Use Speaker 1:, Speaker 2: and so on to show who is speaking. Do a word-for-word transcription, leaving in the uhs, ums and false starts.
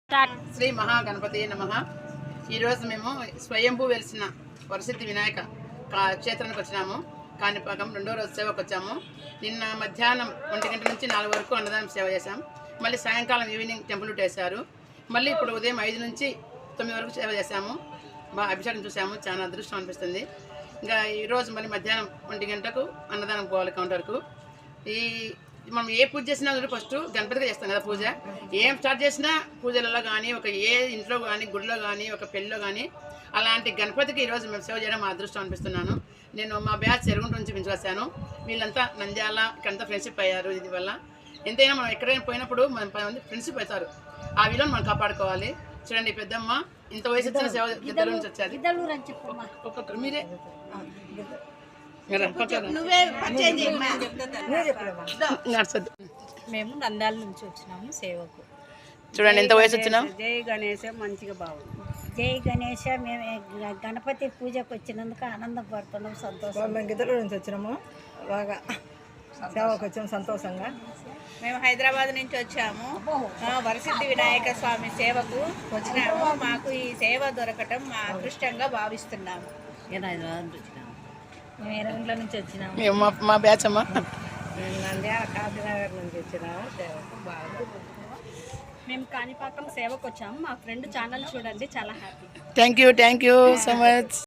Speaker 1: శ్రీ మహాగణపతి నమః. ఈరోజు మేము స్వయంభూ వెలిసిన వరసిద్ధి వినాయక క్షేత్రానికి వచ్చినాము. కాణిపాకం రెండో రోజు సేవకు వచ్చాము. నిన్న మధ్యాహ్నం ఒంటి గంట నుంచి నాలుగు వరకు అన్నదానం సేవ చేశాం. మళ్ళీ సాయంకాలం ఈవినింగ్ టెంపుల్ వేశారు. మళ్ళీ ఇప్పుడు ఉదయం ఐదు నుంచి తొమ్మిది వరకు సేవ చేశాము. బాగా అభిషేకం చూసాము. చాలా అదృష్టం అనిపిస్తుంది. ఇంకా ఈరోజు మళ్ళీ మధ్యాహ్నం ఒంటి గంటకు అన్నదానం పోవాలి కౌంటర్కు. ఈ మనం ఏ పూజ చేసినా ఫస్ట్ గణపతిగా చేస్తాం కదా పూజ. ఏం స్టార్ట్ చేసినా పూజలలో కానీ ఒక ఏ ఇంట్లో కానీ గుడిలో కానీ ఒక పెళ్ళిలో కానీ అలాంటి గణపతికి ఈరోజు మేము సేవ చేయడం మా అదృష్టం అనిపిస్తున్నాను. నేను మా బ్యాచ్ చెరుగుంట నుంచి పెంచుకొచ్చాను. వీళ్ళంతా నంద్యాల ఇక్కడంతా ఫ్రెండ్షిప్ అయ్యారు. ఇది వల్ల ఎంతైనా మనం ఎక్కడైనా పోయినప్పుడు మనం పది మంది ఫ్రెండ్షిప్ అవుతారు. ఆ విలువను మనం కాపాడుకోవాలి. చూడండి పెద్దమ్మ ఇంత వయసు వచ్చిన సేవ గిద్దల నుంచి వచ్చారు. ఒక్కొక్కరు మీరే
Speaker 2: మేము నంద్యాల నుంచి వచ్చినాము సేవకు.
Speaker 1: చూడండి ఎంత వయసు వచ్చినాం.
Speaker 2: జై గణేశ మంచిగా బాగుంది.
Speaker 3: జై గణేశ. మేము గణపతి పూజకు వచ్చినందుకు ఆనందపడుతున్నాం, సంతోషం.
Speaker 4: మేము గిద్దల నుంచి వచ్చినాము, బాగా సేవకు వచ్చాము సంతోషంగా.
Speaker 2: మేము హైదరాబాద్ నుంచి వచ్చాము వరసిద్ధి వినాయక స్వామి సేవకు వచ్చినాము. మాకు ఈ సేవ దొరకటం మా అదృష్టంగా భావిస్తున్నాము.
Speaker 3: మేము ఎర్రగుంట్ల నుంచి వచ్చినాము.
Speaker 1: మేము మా బ్యాచ్ అమ్మా.
Speaker 4: మేము నంద్యాల కాశీనగర్ నుంచి వచ్చినాము. సేవకు బాగా
Speaker 3: మేము కాణిపాకం సేవకు వచ్చాము. మా ఫ్రెండ్ ఛానల్ చూడండి, చాలా happy.
Speaker 1: Thank you thank you so much.